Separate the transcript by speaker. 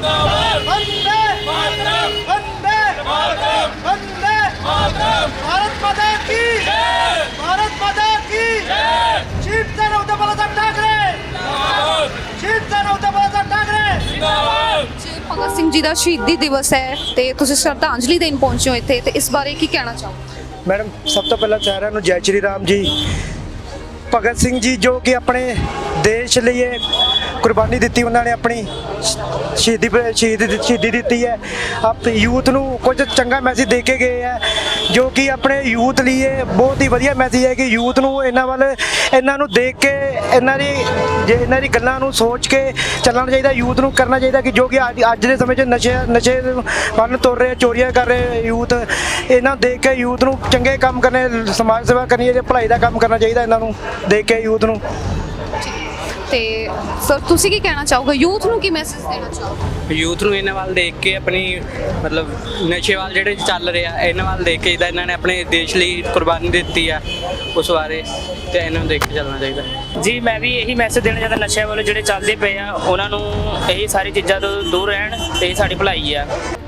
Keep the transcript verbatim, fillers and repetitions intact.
Speaker 1: जिंदाबाद वंदे मातरम वंदे मातरम वंदे मातरम भारत माता की जय भारत माता की जय शिवसेना उद्धव बाळासाहेब ठाकरे जिंदाबाद शिवसेना उद्धव बाळासाहेब ठाकरे जिंदाबाद
Speaker 2: ਭਗਤ ਸਿੰਘ ਜੀ ਦਾ ਸ਼ਹੀਦੀ ਦਿਵਸ ਹੈ ਤੇ ਤੁਸੀਂ ਸ਼ਰਧਾਂਜਲੀ ਦੇਣ ਪਹੁੰਚੇ ਹੋ ਇੱਥੇ ਤੇ ਇਸ ਬਾਰੇ ਕੀ ਕਹਿਣਾ ਚਾਹੋਗੇ?
Speaker 3: ਮੈਡਮ ਸਭ ਤੋਂ ਪਹਿਲਾਂ ਸਾਰਿਆਂ ਨੂੰ ਜੈ ਸ਼੍ਰੀ ਰਾਮ ਜੀ। ਭਗਤ ਸਿੰਘ ਜੀ ਜੋ ਕਿ ਆਪਣੇ ਦੇਸ਼ ਲਈ ਇਹ ਕੁਰਬਾਨੀ ਦਿੱਤੀ, ਉਹਨਾਂ ਨੇ ਆਪਣੀ ਸ਼ਹੀਦੀ ਸ਼ਹੀਦ ਸ਼ਹੀਦੀ ਦਿੱਤੀ ਹੈ। ਆਪ ਯੂਥ ਨੂੰ ਕੁਝ ਚੰਗਾ ਮੈਸੇਜ ਦੇ ਕੇ ਗਏ ਹੈ, ਜੋ ਕਿ ਆਪਣੇ ਯੂਥ ਲਈ ਇਹ ਬਹੁਤ ਹੀ ਵਧੀਆ ਮੈਸੇਜ ਹੈ ਕਿ ਯੂਥ ਨੂੰ ਇਹਨਾਂ ਵੱਲ ਇਹਨਾਂ ਨੂੰ ਦੇਖ ਕੇ ਇਹਨਾਂ ਦੀ ਜੇ ਇਹਨਾਂ ਦੀ ਗੱਲਾਂ ਨੂੰ ਸੋਚ ਕੇ ਚੱਲਣਾ ਚਾਹੀਦਾ। ਯੂਥ ਨੂੰ ਕਰਨਾ ਚਾਹੀਦਾ ਕਿ ਜੋ ਕਿ ਅੱਜ ਅੱਜ ਦੇ ਸਮੇਂ 'ਚ ਨਸ਼ੇ ਨਸ਼ੇ ਵੱਲ ਤੁਰ ਰਹੇ, ਚੋਰੀਆਂ ਕਰ ਰਹੇ ਯੂਥ, ਇਹਨਾਂ ਨੂੰ ਦੇਖ ਕੇ ਯੂਥ ਨੂੰ ਚੰਗੇ ਕੰਮ ਕਰਨੇ, ਸਮਾਜ ਸੇਵਾ ਕਰਨੀ ਚਾਹੀਦੀ, ਭਲਾਈ ਦਾ ਕੰਮ ਕਰਨਾ ਚਾਹੀਦਾ ਇਹਨਾਂ ਨੂੰ ਦੇਖ ਕੇ ਯੂਥ ਨੂੰ।
Speaker 2: ਤੇ ਸਰ ਤੁਸੀਂ ਕੀ ਕਹਿਣਾ ਚਾਹੋਗੇ? ਯੂਥ ਨੂੰ ਕੀ ਮੈਸੇਜ ਦੇਣਾ ਚਾਹੋਗੇ?
Speaker 4: ਯੂਥ ਨੂੰ ਇਹਨਾਂ ਵੱਲ ਦੇਖ ਕੇ ਆਪਣੀ ਮਤਲਬ ਨਸ਼ੇ ਵੱਲ ਜਿਹੜੇ ਚੱਲ ਰਹੇ ਆ ਇਹਨਾਂ ਵੱਲ ਦੇਖ ਕੇ ਜਿੱਦਾਂ ਇਹਨਾਂ ਨੇ ਆਪਣੇ ਦੇਸ਼ ਲਈ ਕੁਰਬਾਨੀ ਦਿੱਤੀ ਆ ਉਸ ਬਾਰੇ ਤੇ ਇਹਨਾਂ ਨੂੰ ਦੇਖ ਕੇ ਚੱਲਣਾ ਚਾਹੀਦਾ
Speaker 5: ਜੀ। ਮੈਂ ਵੀ ਇਹੀ ਮੈਸੇਜ ਦੇਣਾ ਚਾਹੁੰਦਾ, ਨਸ਼ਿਆਂ ਵੱਲ ਜਿਹੜੇ ਚੱਲਦੇ ਪਏ ਆ ਉਹਨਾਂ ਨੂੰ ਇਹ ਸਾਰੀ ਚੀਜ਼ਾਂ ਤੋਂ ਦੂਰ ਰਹਿਣ ਤੇ ਇਹ ਸਾਡੀ ਭਲਾਈ ਆ।